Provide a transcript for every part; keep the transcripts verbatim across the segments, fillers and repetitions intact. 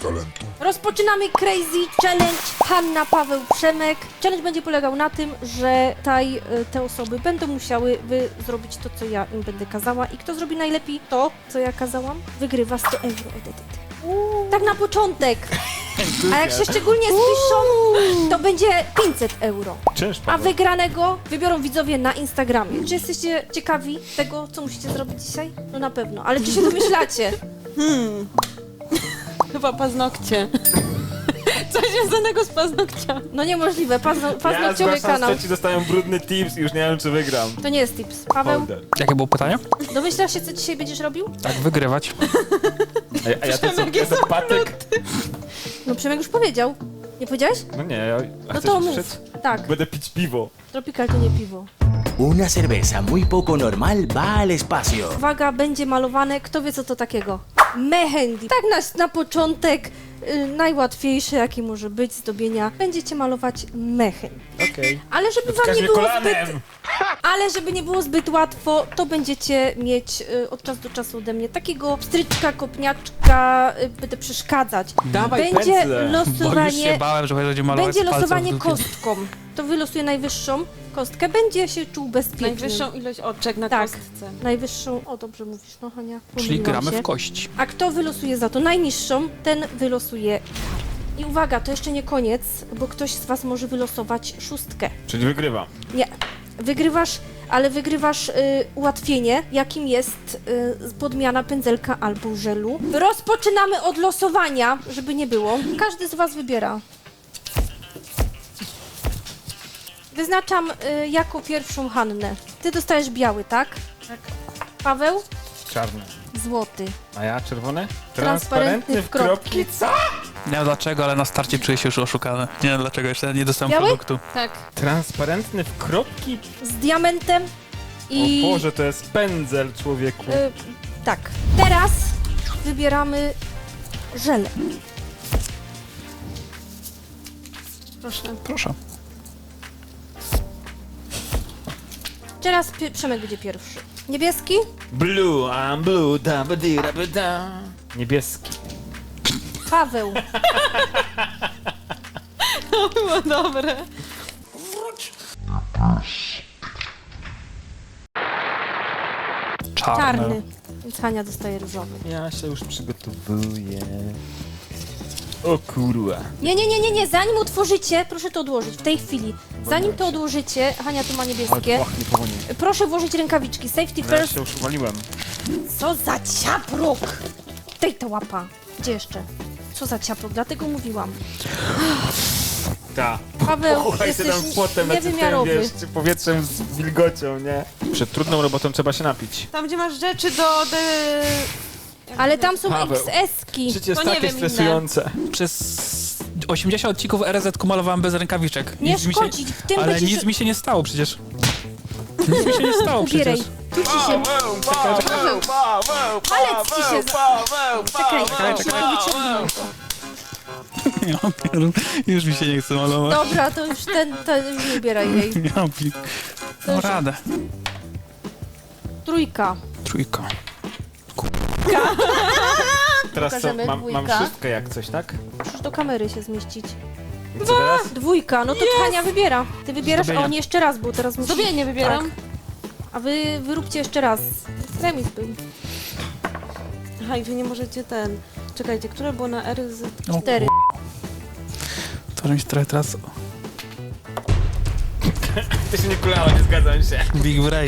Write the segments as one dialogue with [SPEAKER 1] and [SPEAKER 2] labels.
[SPEAKER 1] talentu.
[SPEAKER 2] Rozpoczynamy Crazy Challenge Hanna, Paweł, Przemek. Challenge będzie polegał na tym, że taj, te osoby będą musiały wy zrobić to, co ja im będę kazała i kto zrobi najlepiej to, co ja kazałam, wygrywa sto euro od Edyty. Tak na początek. A jak się szczególnie spiszą, to będzie pięćset euro.
[SPEAKER 3] Czyż,
[SPEAKER 2] A
[SPEAKER 3] Paweł?
[SPEAKER 2] wygranego wybiorą widzowie na Instagramie. Czy jesteście ciekawi tego, co musicie zrobić dzisiaj? No na pewno, ale czy się domyślacie?
[SPEAKER 4] Hmm. Chyba paznokcie. Coś związanego z paznokciami.
[SPEAKER 2] No niemożliwe, Pazno,
[SPEAKER 3] Ja
[SPEAKER 2] paznokciowy
[SPEAKER 3] zgłaszam,
[SPEAKER 2] kanał.
[SPEAKER 3] że ci dostają brudny tips i już nie wiem, czy wygram.
[SPEAKER 2] To nie jest tips. Paweł,
[SPEAKER 3] Holder.
[SPEAKER 5] Jakie było pytanie?
[SPEAKER 2] domyślasz się, co dzisiaj będziesz robił?
[SPEAKER 5] Tak, wygrywać.
[SPEAKER 3] A, ja- a ja to co, ja to patyk?
[SPEAKER 2] No Przemek już powiedział. Nie powiedziałeś?
[SPEAKER 3] No nie, ja... A
[SPEAKER 2] No
[SPEAKER 3] chcesz
[SPEAKER 2] to
[SPEAKER 3] mi
[SPEAKER 2] mów.
[SPEAKER 3] przed?
[SPEAKER 2] Tak,
[SPEAKER 3] Będę pić piwo.
[SPEAKER 2] Tropical to nie piwo.
[SPEAKER 6] Una cerveza muy poco normal va al espacio.
[SPEAKER 2] Uwaga, będzie malowane, kto wie co to takiego? Mehendi. Tak na, na początek, y, najłatwiejsze jaki może być zdobienia. Będziecie malować mehendi.
[SPEAKER 3] Okej.
[SPEAKER 2] Ale żeby wam
[SPEAKER 3] Wskaż
[SPEAKER 2] nie
[SPEAKER 3] mnie
[SPEAKER 2] było
[SPEAKER 3] kolanem!
[SPEAKER 2] zbyt... Ale żeby nie było zbyt łatwo, to będziecie mieć y, od czasu do czasu ode mnie takiego pstryczka, kopniaczka, y, będę przeszkadzać.
[SPEAKER 3] Dawaj
[SPEAKER 2] Będzie
[SPEAKER 3] pędzle.
[SPEAKER 5] Bo już się
[SPEAKER 2] losowanie,
[SPEAKER 5] bałem, że będzie malować
[SPEAKER 2] będzie
[SPEAKER 5] z palcem
[SPEAKER 2] losowanie
[SPEAKER 5] w dupie.
[SPEAKER 2] kostką. To wylosuje najwyższą kostkę, będzie się czuł bezpiecznie.
[SPEAKER 4] Najwyższą ilość oczek na
[SPEAKER 2] Tak.
[SPEAKER 4] kostce.
[SPEAKER 2] Najwyższą, o dobrze mówisz, no Hania.
[SPEAKER 5] Czyli
[SPEAKER 2] pomyliłam
[SPEAKER 5] gramy
[SPEAKER 2] się.
[SPEAKER 5] w kości.
[SPEAKER 2] A kto wylosuje za to najniższą, ten wylosuje kartę. I uwaga, to jeszcze nie koniec, bo ktoś z was może wylosować szóstkę.
[SPEAKER 3] Czyli wygrywam.
[SPEAKER 2] Nie, wygrywasz, ale wygrywasz y, ułatwienie, jakim jest y, podmiana pędzelka albo żelu. Rozpoczynamy od losowania, żeby nie było. Każdy z was wybiera. Wyznaczam y, jako pierwszą Hannę. Ty dostajesz biały, tak? Tak. Paweł?
[SPEAKER 3] Czarny.
[SPEAKER 2] Złoty.
[SPEAKER 3] A ja czerwony?
[SPEAKER 2] Transparentny w kropki.
[SPEAKER 3] Co?
[SPEAKER 5] Nie wiem dlaczego, ale na starcie czuję się już oszukany. Nie wiem dlaczego, jeszcze nie dostałem
[SPEAKER 2] Biały?
[SPEAKER 5] produktu.
[SPEAKER 4] Tak.
[SPEAKER 3] Transparentny w kropki?
[SPEAKER 2] Z diamentem i...
[SPEAKER 3] O Boże, to jest pędzel, człowieku.
[SPEAKER 2] Y, tak. Teraz wybieramy żelę.
[SPEAKER 4] Proszę.
[SPEAKER 5] Proszę.
[SPEAKER 2] Teraz Pie- Przemek będzie pierwszy. Niebieski?
[SPEAKER 3] Blue, I'm blue, da ba di da ba da. Niebieski.
[SPEAKER 2] Paweł.
[SPEAKER 4] To było dobre.
[SPEAKER 5] Czarny.
[SPEAKER 2] Czarny. Więc Hania dostaje różowy.
[SPEAKER 3] Ja się już przygotowuję. O kurwa.
[SPEAKER 2] Nie, nie, nie, nie, nie. Zanim utworzycie, proszę to odłożyć w tej chwili. Zanim to odłożycie, Hania tu ma niebieskie.
[SPEAKER 3] pachnie powoli.
[SPEAKER 2] Proszę włożyć rękawiczki. Safety
[SPEAKER 3] Ja
[SPEAKER 2] first.
[SPEAKER 3] się już uwaliłem.
[SPEAKER 2] Co za ciaprok! Dej to łapa. Gdzie jeszcze? Co za ciaprok? Dlatego mówiłam.
[SPEAKER 3] Ta.
[SPEAKER 2] Paweł,
[SPEAKER 3] Słuchaj, ty
[SPEAKER 2] jesteś
[SPEAKER 3] tam potem na tym,
[SPEAKER 2] niewymiarowy.
[SPEAKER 3] wiesz, czy powietrzem z wilgocią, nie? Przed trudną robotą trzeba się napić.
[SPEAKER 4] Tam, gdzie masz rzeczy do... De...
[SPEAKER 2] Ale tam są
[SPEAKER 3] Paweł.
[SPEAKER 2] X S-ki.
[SPEAKER 3] Życie jest
[SPEAKER 4] To nie
[SPEAKER 3] takie
[SPEAKER 4] wiem, inne.
[SPEAKER 3] stresujące.
[SPEAKER 5] Przez osiemdziesiąt odcinków R Z K malowałem bez rękawiczek.
[SPEAKER 2] Nie
[SPEAKER 5] Nic mi się,
[SPEAKER 2] szkodzi, w tym
[SPEAKER 5] ale
[SPEAKER 2] będziesz...
[SPEAKER 5] nic mi się nie stało przecież. Nic mi się nie stało
[SPEAKER 2] Ubieraj.
[SPEAKER 5] przecież.
[SPEAKER 2] Tu ci się...
[SPEAKER 3] Paweł, Paweł,
[SPEAKER 2] Palec ci się...
[SPEAKER 3] Paweł,
[SPEAKER 2] Czekaj,
[SPEAKER 5] Czekaj,
[SPEAKER 2] szybko
[SPEAKER 5] czekaj.
[SPEAKER 2] wyciągnij to.
[SPEAKER 5] Ja pierdolę, już mi się nie chce malować.
[SPEAKER 2] Dobra, to już ten, ten już nie ubieraj jej.
[SPEAKER 5] Ja pi...
[SPEAKER 2] To
[SPEAKER 5] No
[SPEAKER 2] już-
[SPEAKER 5] radę.
[SPEAKER 2] Trójka.
[SPEAKER 5] Trójka.
[SPEAKER 3] Teraz co,
[SPEAKER 2] Pokażemy
[SPEAKER 3] mam, mam
[SPEAKER 2] dwójka.
[SPEAKER 3] szóstkę jak coś, tak?
[SPEAKER 2] Musisz do kamery się zmieścić.
[SPEAKER 3] I co teraz?
[SPEAKER 2] Dwójka, no to Hania wybiera. Ty wybierasz, a
[SPEAKER 5] Zdobienia.
[SPEAKER 2] on jeszcze raz, bo teraz musi...
[SPEAKER 4] Zdobienie wybieram.
[SPEAKER 2] Tak. A wy wyróbcie jeszcze raz. Remis był.
[SPEAKER 4] Aha, i wy nie możecie ten... Czekajcie, które było na R Z?
[SPEAKER 5] O,
[SPEAKER 2] Cztery.
[SPEAKER 5] To mi się trochę teraz...
[SPEAKER 3] Ty się nie kulało, nie zgadzam się.
[SPEAKER 5] Big brain.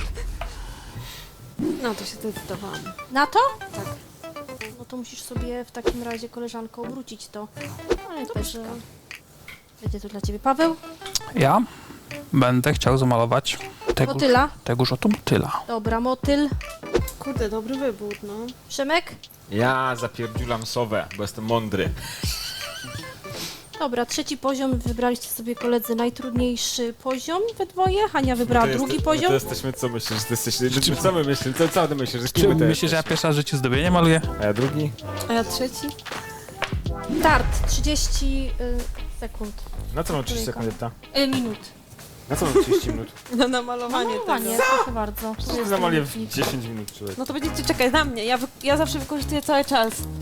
[SPEAKER 4] No, to się zdecydowałam.
[SPEAKER 2] Na to?
[SPEAKER 4] Tak.
[SPEAKER 2] No to musisz sobie w takim razie, koleżanko, obrócić to. Ale też... Będzie to dla ciebie. Paweł?
[SPEAKER 5] Ja będę chciał zamalować tegoż,
[SPEAKER 2] Motyla?
[SPEAKER 5] tegoż oto motyla.
[SPEAKER 2] Dobra, motyl.
[SPEAKER 4] Kurde, dobry wybór, no.
[SPEAKER 2] Przemek?
[SPEAKER 3] Ja zapierdziulam sowę, bo jestem mądry.
[SPEAKER 2] Dobra, trzeci poziom. Wybraliście sobie koledzy najtrudniejszy poziom we dwoje. Hania wybrała
[SPEAKER 3] To jest-
[SPEAKER 2] drugi
[SPEAKER 3] my
[SPEAKER 2] poziom.
[SPEAKER 3] To jesteśmy, co myślisz? Ty jesteś, my, co my myślimy? Co, co ty myślisz? Że kim
[SPEAKER 5] Czy
[SPEAKER 3] ty
[SPEAKER 5] myślisz, że ja
[SPEAKER 3] jesteś?
[SPEAKER 5] pierwszy raz w życiu zdobienie maluję?
[SPEAKER 3] A ja drugi?
[SPEAKER 4] A ja trzeci?
[SPEAKER 2] Start. trzydzieści y, sekund.
[SPEAKER 3] Na co mam trzydzieści
[SPEAKER 2] Trójka.
[SPEAKER 3] sekund, ta?
[SPEAKER 2] Y, minut.
[SPEAKER 3] Na co mam trzydzieści minut?
[SPEAKER 4] Na namalowanie
[SPEAKER 2] Malowanie,
[SPEAKER 4] tego.
[SPEAKER 2] proszę bardzo. Tu
[SPEAKER 3] Co
[SPEAKER 2] jest
[SPEAKER 3] zamalię
[SPEAKER 2] minutnik.
[SPEAKER 3] w dziesięć minut, człowiek.
[SPEAKER 4] No to będziecie czekać na mnie. Ja, wy... ja zawsze wykorzystuję cały czas.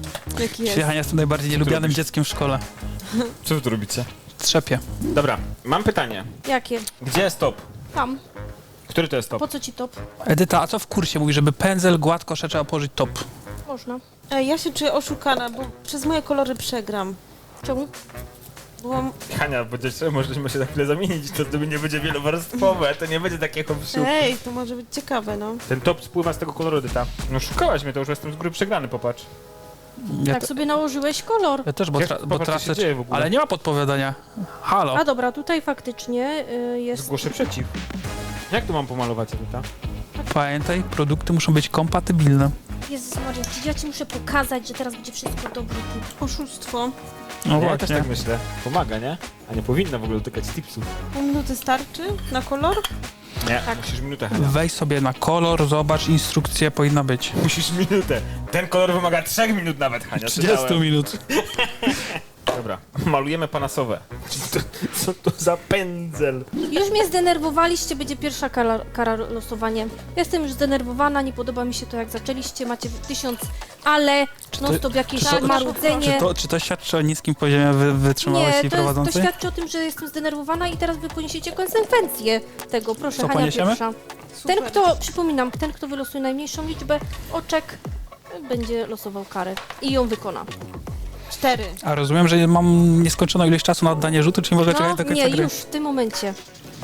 [SPEAKER 4] Jaki jest?
[SPEAKER 5] Czyli Hania jestem najbardziej nielubianym
[SPEAKER 3] robisz?
[SPEAKER 5] dzieckiem w szkole.
[SPEAKER 3] Co wy tu robicie?
[SPEAKER 5] Trzepie.
[SPEAKER 3] Dobra, mam pytanie.
[SPEAKER 2] Jakie?
[SPEAKER 3] Gdzie jest top?
[SPEAKER 2] Tam.
[SPEAKER 3] Który to jest top?
[SPEAKER 2] Po co ci top?
[SPEAKER 5] Edyta, a co w kursie mówi, żeby pędzel gładko jeszcze trzeba położyć top?
[SPEAKER 2] Można.
[SPEAKER 4] Ej, ja się czuję oszukana, bo przez moje kolory przegram.
[SPEAKER 2] Czemu?
[SPEAKER 4] Byłam...
[SPEAKER 3] Hania, będziesz, możemy się za chwilę zamienić, to wtedy nie będzie wielowarstwowe, to nie będzie takie hopsiu.
[SPEAKER 4] Ej, to może być ciekawe, no.
[SPEAKER 3] Ten top spływa z tego koloru, Edyta. No szukałaś mnie, to już jestem z góry przegrany, popatrz.
[SPEAKER 5] Ja,
[SPEAKER 2] Tak
[SPEAKER 5] te,
[SPEAKER 2] sobie nałożyłeś kolor.
[SPEAKER 5] ja też, bo,
[SPEAKER 3] Jak-
[SPEAKER 5] tra, bo
[SPEAKER 3] popatrz, co się
[SPEAKER 5] tracę...
[SPEAKER 3] dzieje w ogóle.
[SPEAKER 5] Ale nie ma podpowiadania. Halo.
[SPEAKER 2] A dobra, tutaj faktycznie y, jest...
[SPEAKER 3] Zgłoszę przeciw. Jak tu mam pomalować, Edyta?
[SPEAKER 5] Pamiętaj, produkty muszą być kompatybilne.
[SPEAKER 2] Jezus Maria, ja ci muszę pokazać, że teraz będzie wszystko dobrze.
[SPEAKER 4] Oszustwo.
[SPEAKER 5] No
[SPEAKER 3] ja też
[SPEAKER 5] właśnie.
[SPEAKER 3] tak myślę. Pomaga, nie? A nie powinna w ogóle dotykać tipsów.
[SPEAKER 4] Pół minuty starczy na kolor?
[SPEAKER 3] Nie,
[SPEAKER 2] Tak.
[SPEAKER 3] musisz minutę, Hania.
[SPEAKER 5] Wejdź sobie na kolor, zobacz, instrukcja powinna być.
[SPEAKER 3] Musisz minutę. Ten kolor wymaga trzech minut nawet, Hania. czytałem.
[SPEAKER 5] minut.
[SPEAKER 3] Dobra, malujemy panasowe. Co to za pędzel?
[SPEAKER 2] Już mnie zdenerwowaliście, będzie pierwsza kara, kara losowanie. Jestem już zdenerwowana, nie podoba mi się to jak zaczęliście, macie tysiąc ale,
[SPEAKER 5] to-
[SPEAKER 2] non stop jakieś
[SPEAKER 5] czy to-
[SPEAKER 2] marudzenie.
[SPEAKER 5] Czy to, czy to świadczy o niskim poziomie wy, wytrzymałości
[SPEAKER 2] Nie, to, jest, to
[SPEAKER 5] prowadzącej?
[SPEAKER 2] świadczy o tym, że jestem zdenerwowana i teraz wy poniesiecie konsekwencje tego. Proszę,
[SPEAKER 5] Co
[SPEAKER 2] Hania
[SPEAKER 5] poniesiemy?
[SPEAKER 2] pierwsza.
[SPEAKER 4] Super.
[SPEAKER 2] Ten, kto, przypominam, ten, kto wylosuje najmniejszą liczbę oczek, będzie losował karę i ją wykona.
[SPEAKER 4] Cztery.
[SPEAKER 5] A rozumiem, że mam nieskończoną ilość czasu na oddanie rzutu, czyli mogę czekać
[SPEAKER 2] No,
[SPEAKER 5] do końca
[SPEAKER 2] nie,
[SPEAKER 5] gry?
[SPEAKER 2] już w tym momencie.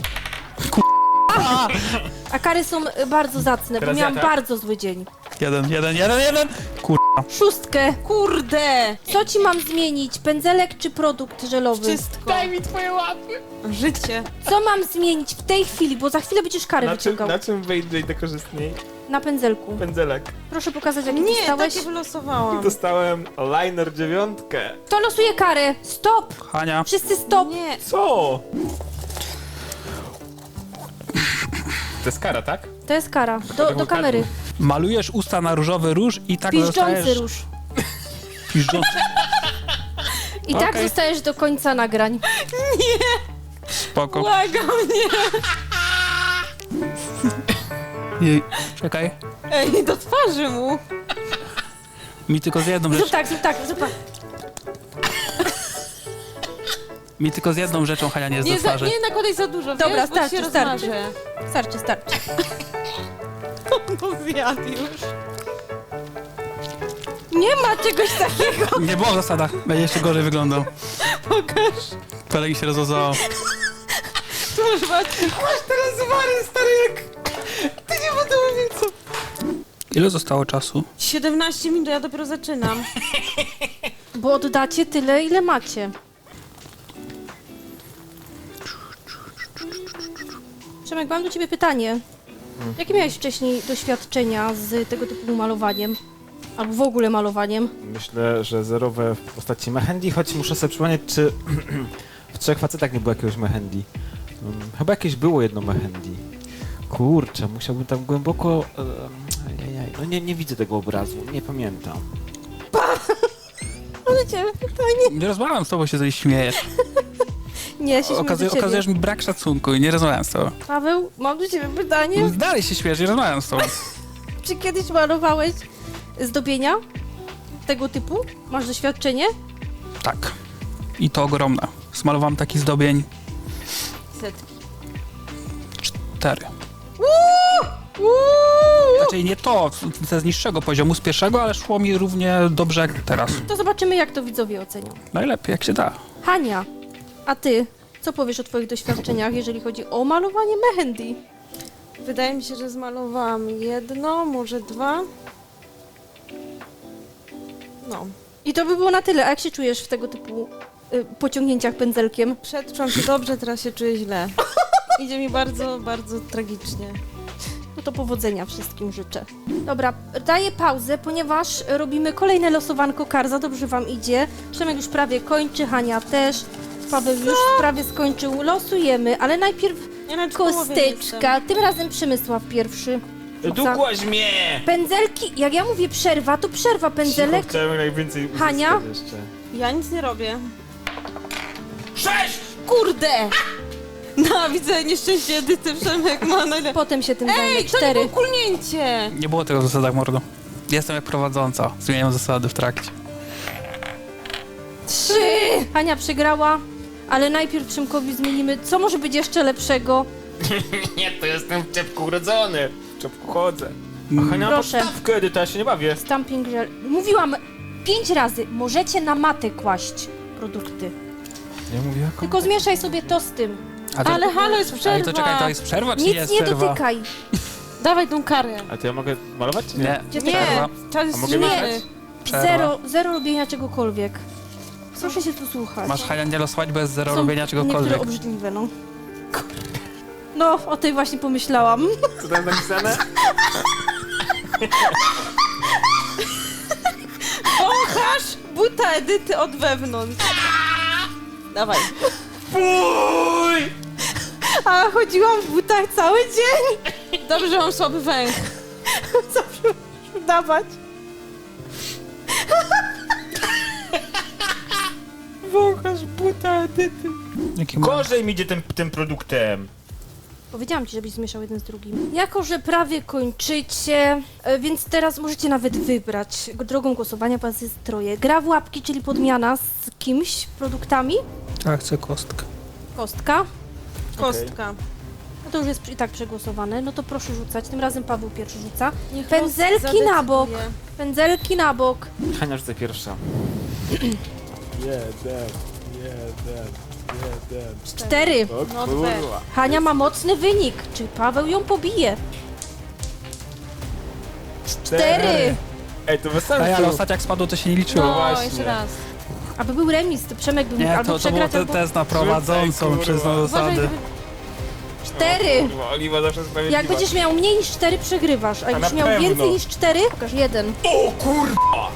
[SPEAKER 2] A kary są y, bardzo zacne,
[SPEAKER 3] Teraz
[SPEAKER 2] bo
[SPEAKER 3] ja,
[SPEAKER 2] miałam
[SPEAKER 3] tak?
[SPEAKER 2] bardzo zły dzień.
[SPEAKER 5] Jeden, jeden, jeden, jeden! Kur...
[SPEAKER 2] Szóstkę.
[SPEAKER 4] Kurde!
[SPEAKER 2] Co ci mam zmienić? Pędzelek czy produkt żelowy?
[SPEAKER 4] Wszystko. Daj mi twoje łapy. Życie.
[SPEAKER 2] Co mam zmienić w tej chwili? Bo za chwilę będziesz karę
[SPEAKER 3] Na czym,
[SPEAKER 2] wyciągał.
[SPEAKER 3] na czym wyjdzie korzystniej?
[SPEAKER 2] Na pędzelku.
[SPEAKER 3] Pędzelek.
[SPEAKER 2] Proszę pokazać, jaki
[SPEAKER 4] Nie,
[SPEAKER 2] dostałeś.
[SPEAKER 4] takie wylosowałam.
[SPEAKER 3] Dostałem liner dziewiątkę.
[SPEAKER 2] To losuje karę. Stop!
[SPEAKER 5] Hania,
[SPEAKER 2] Wszyscy stop!
[SPEAKER 4] Nie.
[SPEAKER 3] Co? To jest kara, tak?
[SPEAKER 2] To jest kara. Do, do kamery.
[SPEAKER 5] malujesz usta na różowy róż i tak
[SPEAKER 2] Piszczący
[SPEAKER 5] zostajesz...
[SPEAKER 2] róż.
[SPEAKER 5] Piszczący.
[SPEAKER 2] I tak
[SPEAKER 5] Okej.
[SPEAKER 2] zostajesz do końca nagrań.
[SPEAKER 5] Spoko.
[SPEAKER 4] Błagam, nie.
[SPEAKER 5] Jej. Czekaj.
[SPEAKER 4] Ej, do twarzy mu.
[SPEAKER 5] Mi tylko z jedną
[SPEAKER 2] Zrób
[SPEAKER 5] rzeczą...
[SPEAKER 2] tak, zrób tak, zrób tak.
[SPEAKER 5] Mi tylko z jedną rzeczą Hania nie jest
[SPEAKER 4] Nie,
[SPEAKER 5] do
[SPEAKER 4] za,
[SPEAKER 5] twarzy.
[SPEAKER 4] nie nakładaj za dużo,
[SPEAKER 2] Dobra,
[SPEAKER 4] wiesz, bo
[SPEAKER 2] starczy,
[SPEAKER 4] się
[SPEAKER 2] starczy.
[SPEAKER 4] rozmarzę.
[SPEAKER 2] Starczy, starczy.
[SPEAKER 4] No zjadł już.
[SPEAKER 2] Nie ma czegoś takiego.
[SPEAKER 5] Nie było w zasadach. Będzie jeszcze gorzej wyglądał.
[SPEAKER 4] Pokaż.
[SPEAKER 5] Pelegi się rozłazało.
[SPEAKER 4] Tu masz matki. Masz teraz wary, stary, jak... Ty nie będę mówił, co...
[SPEAKER 5] Ile zostało czasu?
[SPEAKER 4] siedemnaście minut, ja dopiero zaczynam.
[SPEAKER 2] Bo oddacie tyle, ile macie. Przemek, mam do ciebie pytanie. Jakie miałeś wcześniej doświadczenia z tego typu malowaniem? Albo w ogóle malowaniem?
[SPEAKER 3] Myślę, że zerowe w postaci Mehendi, choć muszę sobie przypomnieć, czy w Trzech Facetach nie było jakiegoś Mehendi. Um, chyba jakieś było jedno Mehendi. Kurczę, musiałbym tam głęboko... Um, ajajaj, no nie, nie widzę tego obrazu, nie pamiętam.
[SPEAKER 2] Ale ciebie pytanie.
[SPEAKER 5] Nie rozmawiam z tobą, się tutaj śmiejesz.
[SPEAKER 2] Nie, ja się śmieję
[SPEAKER 5] Okazuj,
[SPEAKER 2] do ciebie.
[SPEAKER 5] okazujesz mi brak szacunku i nie rozmawiam z tobą.
[SPEAKER 2] Paweł, mam do ciebie pytanie.
[SPEAKER 5] Dalej się śmiejesz, nie rozmawiam z tobą.
[SPEAKER 2] Czy kiedyś malowałeś zdobienia tego typu? Masz doświadczenie?
[SPEAKER 5] Tak. I to ogromne. Smalowałem taki zdobień
[SPEAKER 4] Setki.
[SPEAKER 5] cztery.
[SPEAKER 2] Uuu!
[SPEAKER 5] Znaczy nie to, to z niższego poziomu, z pierwszego, ale szło mi równie dobrze jak teraz.
[SPEAKER 2] To zobaczymy, jak to widzowie ocenią.
[SPEAKER 5] Najlepiej, jak się da.
[SPEAKER 2] Hania, a ty, co powiesz o twoich doświadczeniach, jeżeli chodzi o malowanie mehendi?
[SPEAKER 4] Wydaje mi się, że zmalowałam jedno, może dwa. No.
[SPEAKER 2] I to by było na tyle. A jak się czujesz w tego typu y, pociągnięciach pędzelkiem?
[SPEAKER 4] Przedczułam się dobrze, teraz się czuję źle. Idzie mi bardzo, bardzo tragicznie.
[SPEAKER 2] No to powodzenia wszystkim życzę. Dobra, daję pauzę, ponieważ robimy kolejne losowanko kar. Za dobrze wam idzie. Przemek już prawie kończy, Hania też. Paweł już prawie skończył. Losujemy, ale najpierw
[SPEAKER 4] Ja nawet w połowie nie
[SPEAKER 2] kosteczka. Tym razem Przemysław pierwszy.
[SPEAKER 3] Dukłaś mnie!
[SPEAKER 2] Pędzelki, jak ja mówię przerwa, to przerwa pędzelek.
[SPEAKER 3] Cicho, chciałem najwięcej uzyskać
[SPEAKER 2] Hania?
[SPEAKER 3] jeszcze.
[SPEAKER 4] jestem. Ja nic nie robię.
[SPEAKER 3] Sześć!
[SPEAKER 4] Kurde! No, widzę nieszczęście Edyty, Przemek ma najlepiej.
[SPEAKER 2] Potem się tym zajmę.
[SPEAKER 4] Ej, to nie
[SPEAKER 2] Cztery.
[SPEAKER 4] było kulnięcie!
[SPEAKER 5] Nie było tego w zasadach, mordo. Jestem jak prowadząca. Zmieniam zasady w trakcie.
[SPEAKER 2] Hania przegrała, ale najpierw Przemkowi zmienimy, co może być jeszcze lepszego.
[SPEAKER 3] Nie, to jestem w czepku urodzony. W czepku chodzę. A Hania ma
[SPEAKER 2] Proszę.
[SPEAKER 3] podstawkę, Edyta, ja się nie bawię.
[SPEAKER 2] Stamping gel. Mówiłam pięć razy, możecie na matę kłaść produkty.
[SPEAKER 3] Ja mówię jaką?
[SPEAKER 2] Tylko zmieszaj sobie to z tym.
[SPEAKER 5] A to,
[SPEAKER 4] Ale halo, jest przerwa.
[SPEAKER 5] ale to czekaj, to jest przerwa, czy
[SPEAKER 2] Nic
[SPEAKER 5] nie jest
[SPEAKER 2] nie
[SPEAKER 5] przerwa?
[SPEAKER 2] dotykaj.
[SPEAKER 4] Dawaj tą karę.
[SPEAKER 3] A to ja mogę malować czy nie?
[SPEAKER 5] Nie,
[SPEAKER 2] Gdzie
[SPEAKER 4] Nie,
[SPEAKER 5] przerwa.
[SPEAKER 4] czas jest
[SPEAKER 3] A mogę
[SPEAKER 4] zmieniony.
[SPEAKER 3] mieszać?
[SPEAKER 5] Przerwa.
[SPEAKER 2] Zero, zero robienia czegokolwiek. Proszę się tu słuchać.
[SPEAKER 5] Masz Hania nie losować bez zero
[SPEAKER 2] Są
[SPEAKER 5] robienia czegokolwiek.
[SPEAKER 2] niektóre obrzydliwe, no. No, o tej właśnie pomyślałam.
[SPEAKER 3] Co tam napisane?
[SPEAKER 4] Wąchasz buta Edyty od wewnątrz. Dawaj.
[SPEAKER 3] Fuj!
[SPEAKER 2] A chodziłam w butach cały dzień.
[SPEAKER 4] Dobrze, że mam słaby węch.
[SPEAKER 2] Zawsze muszę dawać.
[SPEAKER 3] Wąchasz buta Edyty.
[SPEAKER 5] Jaki
[SPEAKER 3] Gorzej mi idzie tym, tym produktem.
[SPEAKER 2] Powiedziałam ci, żebyś zmieszał jeden z drugim. Jako, że prawie kończycie, e, więc teraz możecie nawet wybrać drogą głosowania, was jest troje. Gra w łapki, czyli podmiana z kimś, produktami.
[SPEAKER 5] Ja chcę kostkę.
[SPEAKER 2] Kostka.
[SPEAKER 4] Kostka.
[SPEAKER 2] No to już jest i tak przegłosowane. No to proszę rzucać. Tym razem Paweł pierwszy rzuca.
[SPEAKER 4] Niech
[SPEAKER 2] Pędzelki
[SPEAKER 4] los
[SPEAKER 2] na bok.
[SPEAKER 4] zadecyduje.
[SPEAKER 2] Pędzelki na bok.
[SPEAKER 3] Hania rzucaj pierwsza. Jeden, jeden, jeden.
[SPEAKER 2] Cztery.
[SPEAKER 3] O
[SPEAKER 4] No
[SPEAKER 3] kurwa.
[SPEAKER 2] Hania ma mocny wynik. Czy Paweł ją pobije? Cztery.
[SPEAKER 3] Ej, to bez
[SPEAKER 5] Ej, ale
[SPEAKER 3] sensu.
[SPEAKER 5] ostatnio jak spadło, to się nie liczyło.
[SPEAKER 4] No,
[SPEAKER 3] właśnie.
[SPEAKER 4] jeszcze raz.
[SPEAKER 2] Aby był remis, to Przemek by mógł
[SPEAKER 5] Nie,
[SPEAKER 2] albo
[SPEAKER 5] to, to było
[SPEAKER 2] przegrać,
[SPEAKER 5] te,
[SPEAKER 2] albo...
[SPEAKER 5] test na prowadzącą,
[SPEAKER 3] Rzucaj,
[SPEAKER 5] przez
[SPEAKER 3] kurwa.
[SPEAKER 4] Uważaj,
[SPEAKER 5] zasady.
[SPEAKER 4] gdyby...
[SPEAKER 2] Cztery.
[SPEAKER 3] Kurwa, Oliwa zawsze sprawiedliwa.
[SPEAKER 2] Jak będziesz miał mniej niż cztery, przegrywasz. A
[SPEAKER 3] A
[SPEAKER 2] jakbyś
[SPEAKER 3] na
[SPEAKER 2] miał
[SPEAKER 3] pewno.
[SPEAKER 2] więcej niż cztery, pokaż jeden.
[SPEAKER 3] O kurwa!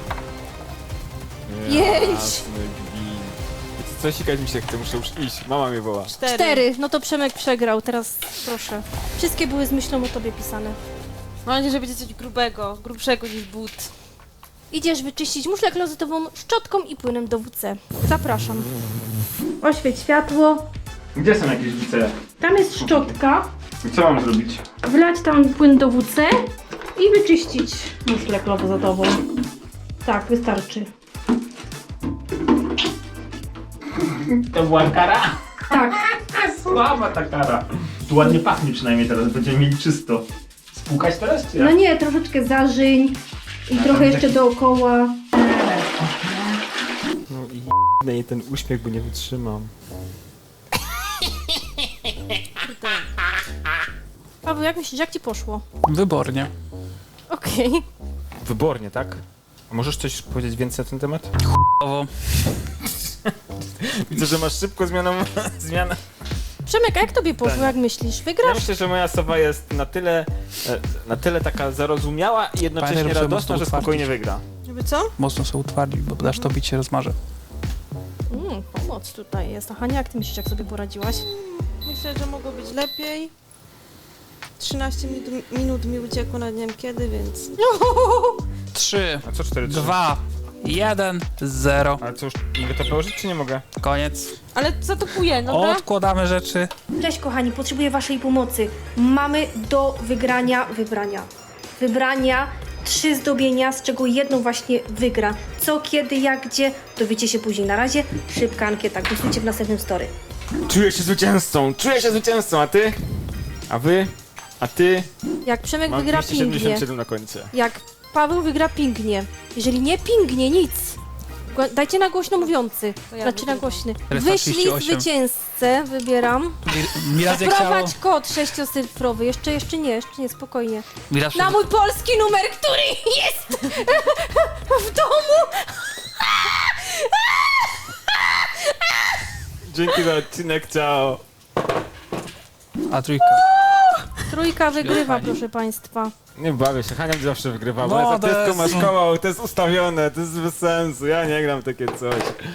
[SPEAKER 2] Pięć.
[SPEAKER 3] Jasny gwint. Wiecie co, sikać mi się chce, muszę już iść. Mama mnie woła.
[SPEAKER 4] Cztery.
[SPEAKER 2] Cztery. No to Przemek przegrał. Teraz proszę. Wszystkie były z myślą o tobie pisane.
[SPEAKER 4] Mam nadzieję, że będzie coś grubego, grubszego niż but.
[SPEAKER 2] Idziesz wyczyścić muszlę klozetową szczotką i płynem do W C. Zapraszam. Oświeć światło.
[SPEAKER 3] Gdzie są jakieś wice?
[SPEAKER 2] Tam jest szczotka.
[SPEAKER 3] Co mam zrobić?
[SPEAKER 2] Wlać tam płyn do W C i wyczyścić muszlę klozetową. Tak, wystarczy.
[SPEAKER 3] To była kara?
[SPEAKER 2] Tak.
[SPEAKER 3] Słaba ta kara. Tu ładnie pachnie przynajmniej teraz, będziemy mieli czysto. Spłukać teraz czy
[SPEAKER 2] No
[SPEAKER 3] jak?
[SPEAKER 2] nie, troszeczkę zażyń i trochę jeszcze dookoła.
[SPEAKER 3] No i i ten uśmiech, bo nie wytrzymam.
[SPEAKER 2] Paweł, jak myślisz, jak ci poszło?
[SPEAKER 5] Wybornie.
[SPEAKER 2] Okej.
[SPEAKER 3] Wybornie, tak? A możesz coś powiedzieć więcej na ten temat?
[SPEAKER 5] Owo.
[SPEAKER 3] Widzę, że masz szybko zmianą, zmianę.
[SPEAKER 2] Przemek, a jak tobie poszło,
[SPEAKER 3] Pytanie.
[SPEAKER 2] jak myślisz?
[SPEAKER 3] Ja
[SPEAKER 2] Wygrasz?
[SPEAKER 3] myślę, że moja sowa jest na tyle, e, na tyle taka zarozumiała i jednocześnie
[SPEAKER 5] Pamiętaj, żeby
[SPEAKER 3] radosna, że
[SPEAKER 5] mocno
[SPEAKER 3] spokojnie
[SPEAKER 5] utwardzić.
[SPEAKER 3] wygra.
[SPEAKER 4] Żeby co?
[SPEAKER 5] Mocno sobie utwardzić, bo dasz to bić się rozmarze.
[SPEAKER 2] Mm, pomoc tutaj jest. A Hania, jak ty myślisz, jak sobie poradziłaś?
[SPEAKER 4] Myślę, że mogło być lepiej. trzynaście minut, minut mi uciekło na dniem kiedy, więc...
[SPEAKER 5] Trzy,
[SPEAKER 3] A co cztery, trzy?
[SPEAKER 5] dwa, jeden, zero.
[SPEAKER 3] Ale co już, mogę to położyć czy nie mogę?
[SPEAKER 5] Koniec.
[SPEAKER 4] Ale zatopuję, dobra?
[SPEAKER 5] Odkładamy rzeczy.
[SPEAKER 2] Cześć kochani, potrzebuję waszej pomocy. Mamy do wygrania, wybrania, wybrania trzy zdobienia, z czego jedno właśnie wygra. Co, kiedy, jak, gdzie, dowiecie się później. Na razie szybka ankieta, głosujcie w następnym story.
[SPEAKER 3] Czuję się zwycięzcą, czuję się zwycięzcą, a ty? A wy? A ty?
[SPEAKER 2] Jak Przemek
[SPEAKER 3] Mam
[SPEAKER 2] wygra
[SPEAKER 3] dwieście
[SPEAKER 2] pingnie,
[SPEAKER 3] siedemdziesiąt siedem na końcu.
[SPEAKER 2] jak Paweł wygra pingnie, jeżeli nie pingnie, nic. Gło- Dajcie na głośno mówiący,
[SPEAKER 4] To ja
[SPEAKER 2] znaczy na
[SPEAKER 4] wygram.
[SPEAKER 2] głośny.
[SPEAKER 5] Telefon
[SPEAKER 2] Wyślij
[SPEAKER 5] trzydzieści osiem.
[SPEAKER 2] zwycięzcę, wybieram.
[SPEAKER 5] Mi raz nie chciało...
[SPEAKER 2] Wprowadź kod sześciocyfrowy, jeszcze, jeszcze nie, jeszcze nie, spokojnie.
[SPEAKER 5] Mi raz
[SPEAKER 2] Na mój polski numer, który jest w domu.
[SPEAKER 3] Dzięki za odcinek, ciao.
[SPEAKER 5] A trójka.
[SPEAKER 2] Trójka wygrywa,
[SPEAKER 5] Pani.
[SPEAKER 2] proszę państwa.
[SPEAKER 3] Nie bawię się, Hania zawsze wygrywa, bo
[SPEAKER 5] No,
[SPEAKER 3] jest
[SPEAKER 5] to
[SPEAKER 3] artystką,
[SPEAKER 5] jest-
[SPEAKER 3] ma szkołą, to jest ustawione, to jest bez sensu, ja nie gram takie coś.